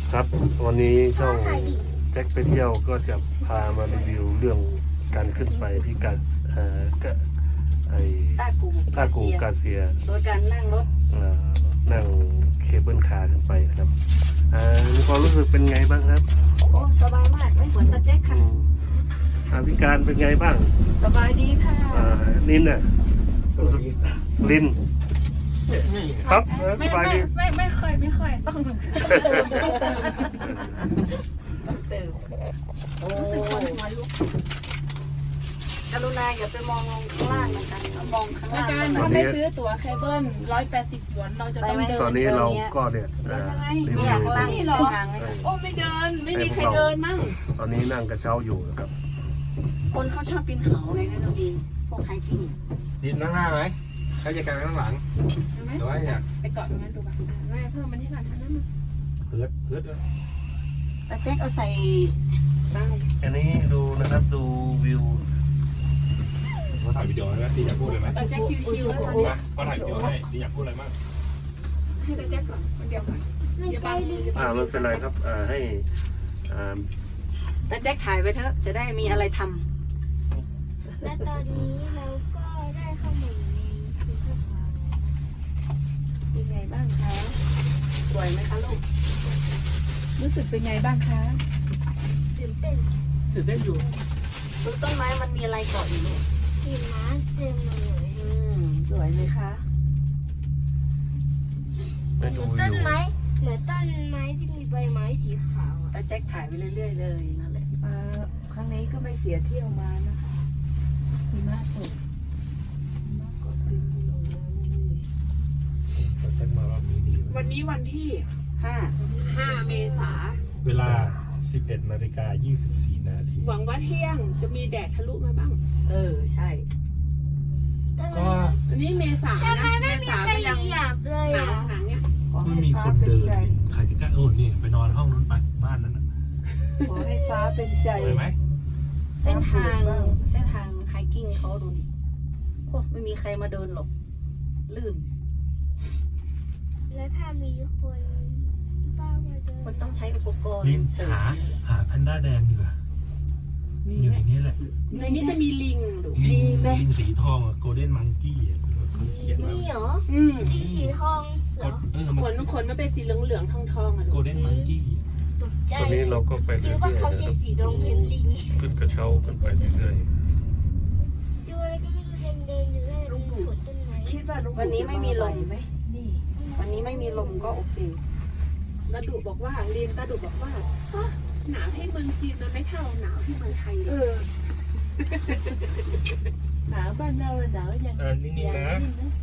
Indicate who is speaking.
Speaker 1: ครับวันนี้ช่องแจ็คไปเที่ยวก็จะพามารีวิวเรื่องการขึ้นไปที่การต้ากูกาเซีย
Speaker 2: โดยการนั่งรถ
Speaker 1: นั่งเคเบิลคาร์ขึ้นไปนะครับมีความรู้สึกเป็นไงบ้างครับ
Speaker 2: โอ้สบายมากไม่เหมือนตาแจ็คค่ะ
Speaker 1: พิการเป็นไงบ้าง
Speaker 2: สบายดีค่ะ
Speaker 1: นินน่ะรู้สึกลินครับสบายดี
Speaker 3: ไม่ค่อยต้อง
Speaker 2: เติม
Speaker 3: รู้สึกคนหัวลุก
Speaker 2: กรุณาอย่าไปมองลงข้างล่างนะคะมองข้าง
Speaker 3: ใน
Speaker 2: ล่าง
Speaker 3: การถ้าไม่ซื้อตั๋วเคเบิล180 หยวนเราจะต้องเดิน
Speaker 1: ตอนนี้เราก็เนี่ยรีวิ
Speaker 2: เนี่ยว ข้างล่างนี่เหรอทางเลย
Speaker 3: โอ้ไม่เดินไม่มีใครเดินมั่ง
Speaker 1: ตอนนี้นั่งกระเช้าอยู่นะครับ
Speaker 2: คนเขาชอบปีนเขาไงนะตัวเองพวกไฮกิ้ง
Speaker 4: ดินนั่งหน้าไหมใครจะกางข้างหลัง
Speaker 3: ใช่ไหม
Speaker 4: หรือว่าอยาก
Speaker 3: ไปเกาะตรงนั้นดูบ้างแม่เพิ่มมันที่หลังทางนั้นมา
Speaker 4: เพิร์ดด้วย
Speaker 2: ตาแจ็คเอาใส่
Speaker 3: ได้
Speaker 1: อันนี้ดูนะครับดูวิว
Speaker 4: มาถ่ายวิดีโอไหมดีอยากพูดเลยไหม
Speaker 3: ตาแจ็คชิวๆแล้วตอนนี้
Speaker 4: มาถ่ายวิดีโอให้ดีอยากพูดอะไรบ้าง
Speaker 3: ให้ตาแจ็คก่อนคนเดียวก่อนอย่าบังอย่าบัง
Speaker 1: ไม่เป็นไรครับให้
Speaker 2: ตาแจ็คถ่ายไปเถอะจะได้มีอะไรทำ
Speaker 5: และตอนนี้เราก็ได้เข้ามาอยู่ในพิพิธภัณฑ์
Speaker 3: เป็นไงบ้างคะ
Speaker 2: สวยไหมคะลูก
Speaker 3: รู้สึกเป็นไงบ้างคะ
Speaker 5: ตื่นเต้น
Speaker 4: ตื่นเต้นอยู่
Speaker 2: ดูต้นไม้มันมีอะไรเกาะอยู่ลูก
Speaker 5: หิมะเต็มเลย
Speaker 2: สวยไหมคะ
Speaker 1: ให้ดูวิ
Speaker 5: ต้น
Speaker 1: ว
Speaker 5: ไม้เหมือนต้นไม้ที่มีใบไม้สีขาวอะ
Speaker 2: ตาแจ็คถ่ายไปเรื่อยๆเลยนั่นแหละครั้งนี้ก็ไม่เสียเที่ยวมานะคะหิมะตกหิมะก็ตึงลงเลย
Speaker 4: เต้นมารอบนี้ดี
Speaker 3: วันนี้วันที่ 5 เมษา
Speaker 4: เวลา 11:24 นาที
Speaker 3: หวังว่าเที่ยงจะมีแดดทะลุมาบ้าง
Speaker 2: ใช่
Speaker 4: ก็
Speaker 3: อันนี้เมษา
Speaker 5: ทำไม
Speaker 3: นะ
Speaker 5: ไม่
Speaker 3: เม
Speaker 5: มี
Speaker 3: ษา
Speaker 5: ใคร
Speaker 3: ก็ยัง
Speaker 5: เหยียบเลย
Speaker 3: หนาว
Speaker 5: อ่ะ
Speaker 3: หนังเนี่ย
Speaker 4: ไม่มีคนเดินใครจะกล้านี่ไปนอนห้องนู้นไปบ้านนั้น
Speaker 2: ขอให้ฟ้าเป็นใจ
Speaker 4: ไปไหม
Speaker 2: เส้นทางไฮกิ้งเขาดูนี่โอ้ไม่มีใครมาเดินหรอก ลื่น
Speaker 5: แล้วถ้ามีคนป้ามาเดิน
Speaker 2: มันต้องใช้อุปกรณ์
Speaker 4: ลิน
Speaker 2: เสริม
Speaker 4: หาแพนด้าแดงดีกว่าอยู่ในนี้แหละ
Speaker 3: ในนี้จะมีลิงดู
Speaker 4: ลิงสีทองโกลเด้นมังกี้เขาเขียนว่า
Speaker 5: นี่เหรอ
Speaker 3: อืม
Speaker 5: สีสีทองเหรอ
Speaker 3: ขนมันเป็นสีเหลืองๆทองๆอ่ะ
Speaker 4: โก
Speaker 3: ดู
Speaker 4: ลเด้นมังกี้
Speaker 5: ตกใจ
Speaker 1: ตอนนี้เราก็ไป
Speaker 5: คิ
Speaker 1: เรื่
Speaker 5: ด
Speaker 1: อย
Speaker 5: ว่า
Speaker 1: ๆ
Speaker 5: เขา
Speaker 1: นะค
Speaker 5: ใช้
Speaker 1: รับ
Speaker 5: สีดงเห็นลิง
Speaker 1: ขึ้นกระเช้าขึ้นไปเรื่อย
Speaker 5: ดูอะไรก็ไม่รู้เดินอยู่เลยลุงขุดต้นไม้
Speaker 2: คิดว่าวันนี้ไม่มีลมไหมวันนี้ไม่มีลมก็โอเค
Speaker 3: ตาดุบอกว่าลินตาดุบอกว่าฮะหนาวที่เมืองจีนมันไม่เท่าหนาวที่เมืองไทยเลย
Speaker 2: หนาวบ้านเราหนาวอย่าง
Speaker 4: นิ่งๆนะ